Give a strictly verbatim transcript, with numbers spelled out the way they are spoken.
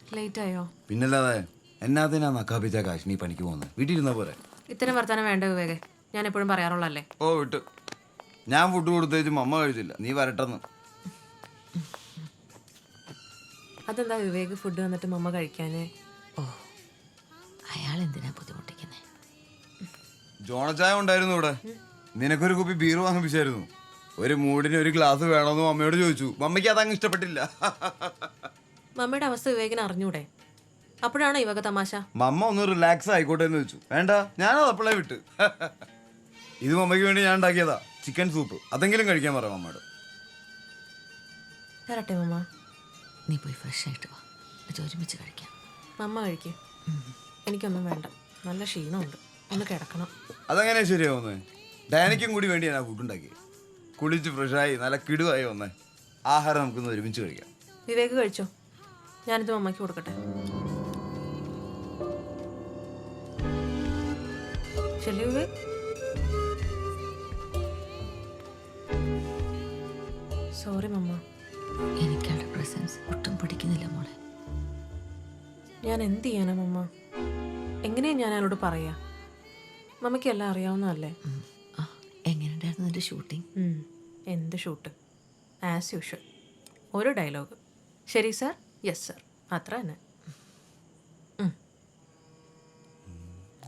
Late ആയോ? പിന്നല്ലാതെ എന്നാത്തിനാ നക്കാപ്പിച്ച കാശ് നീ പണിക്ക് പോകുന്നത്? വീട്ടിലിരുന്ന പോരെ. ഇത്തരം വർത്താനം വേണ്ട വിവേകെ, ഞാൻ എപ്പോഴും പറയാറുള്ളല്ലേ. ഓ വിട്ടു. ഞാൻ ഫുഡ് കൊടുത്തേച്ചും അമ്മ കഴിച്ചില്ല, നീ വരട്ടെന്ന്. അതെന്താ വിവേക് ഫുഡ് വന്നിട്ട് മമ്മ കഴിക്കാനേ? ഓ അയാൾ എന്തിനാ ബുദ്ധിമുട്ടിക്കുന്നേ? ജോണച്ചായ ഉണ്ടായിരുന്നു ഇവിടെ. നിനക്കൊരു കുപ്പി ബീർ വാങ്ങിപ്പിച്ചായിരുന്നു. ഒരു മൂടിന് ഒരു ഗ്ലാസ് വേണമെന്ന് മമ്മയോട് ചോദിച്ചു. മമ്മയ്ക്ക് അതങ്ങ് ഇഷ്ടപ്പെട്ടില്ല. മമ്മയുടെ അവസ്ഥ വിവേകിന് അറിഞ്ഞൂടെ? അപ്പോഴാണോ ഇവക തമാശ? മമ്മ ഒന്ന് റിലാക്സ് ആയിക്കോട്ടെ എന്ന് വെച്ചു. വേണ്ട, ഞാനത് അപ്പോഴേ വിട്ട്. ഇത് മമ്മയ്ക്ക് വേണ്ടി ഞാൻ ഉണ്ടാക്കിയതാ, ചിക്കൻ സൂപ്പ്. അതെങ്കിലും കഴിക്കാൻ പറയാം മമ്മയോട്. തരട്ടെ മമ്മ? നീ പോയി ഫ്രഷ് ആയിട്ട് വാ, എന്നിട്ട് ഒരുമിച്ച് കഴിക്കാം. മമ്മ കഴിക്കേ, എനിക്കൊന്നും വേണ്ട. നല്ല ക്ഷീണമുണ്ട്, ഒന്ന് കിടക്കണം. അതെങ്ങനെയാ ശരിയാവുന്നേ? ഡാനിക്കും കൂടി വേണ്ടി ഞാൻ ഫുഡ് ഉണ്ടാക്കി. കുളിച്ച് ഫ്രഷായി നല്ല കിടുവായി വന്നേ. ആഹാരം നമുക്കൊന്ന് ഒരുമിച്ച് കഴിക്കാം. വിവേക് കഴിച്ചോ, ഞാനിത് മമ്മയ്ക്ക് കൊടുക്കട്ടെ. ശരി വിവേക്. സോറി മമ്മ. എനിക്കവിടെ പ്രസൻസ് ഒട്ടും പിടിക്കുന്നില്ല മോളെ. ഞാൻ എന്ത് ചെയ്യാനാ മമ്മ? എങ്ങനെയാ ഞാൻ അയാളോട് പറയാ? മമ്മയ്ക്ക് എല്ലാം അറിയാവുന്നതല്ലേ. ആ എങ്ങനെയുണ്ടായിരുന്നു നിന്റെ ഷൂട്ടിംഗ്? എന്ത് ഷൂട്ട്? ആസ് യൂഷ്വൽ, ഒരു ഡയലോഗ്. ശരി സാർ, യെസ് സാർ, അത്ര തന്നെ.